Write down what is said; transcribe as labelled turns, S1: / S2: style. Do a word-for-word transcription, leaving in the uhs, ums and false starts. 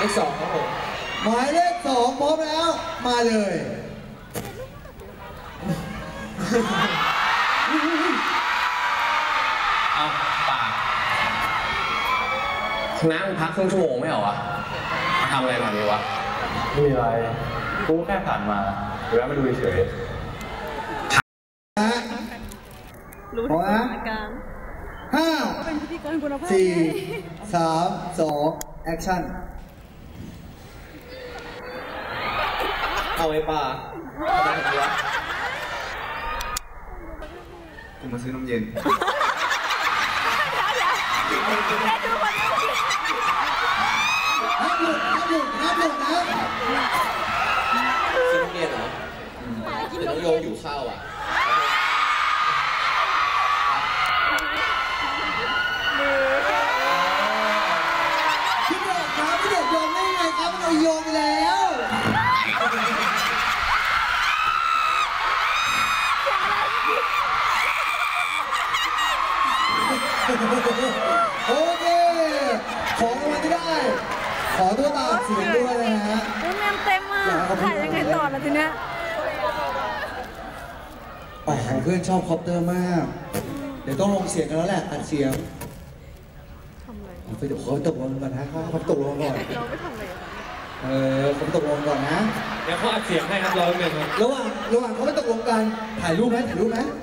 S1: เลขสองครับผม
S2: หมายเลขสองพร้อมแล้วมาเลย
S1: เอาปากน้ำพักครึ่งชั่วโมงไม่เหรอวะมาทำอะไรแบบนี้วะ
S3: ไม่มีอะไรกูแค่ผ่านมาหรือว่ามาดูเฉย
S2: รู้ถึงสถานการณ์ห้าสี่สามสองแอคชั่น
S1: เอาไอ้ปลาทำไมถึงวะ
S3: กูมาซื้อนมเย็น
S2: น้ำหยุดน้ำหยุดน้ำหยุดนะ
S1: ซื้อน้ำเย็นเหรอแต่น้องโยอยู่ข้าวอ่ะ
S2: พี่เด็กครับพี่เด็กโยนได้ไงครับมันโยนไปแล้วโอเคของรางวัลที่ได้ขอตัวตามเสียงด้วยนะฮะ
S4: แมมเต็มมากถ่ายยังไงต่อละทีเนี้ย
S2: โอ้โหเพื่อนชอบคอปเตอร์มากเดี๋ยวต้องลงเสียงกันแล้วแหละอัดเสียงทำอะไรไปเดี๋ยวเขาตกลงก่อนนะเขาตกลงก่อนเราไม่ทำอะไรเออเขาตกลงก่อนนะ
S1: เดี๋ยวเขาอัดเสียงให้ครับรอหนึ่งครับ
S2: ระหว่างระหว่างเขาไม่ตกลงกันถ่ายรูปไหมถ่ายรูปไหม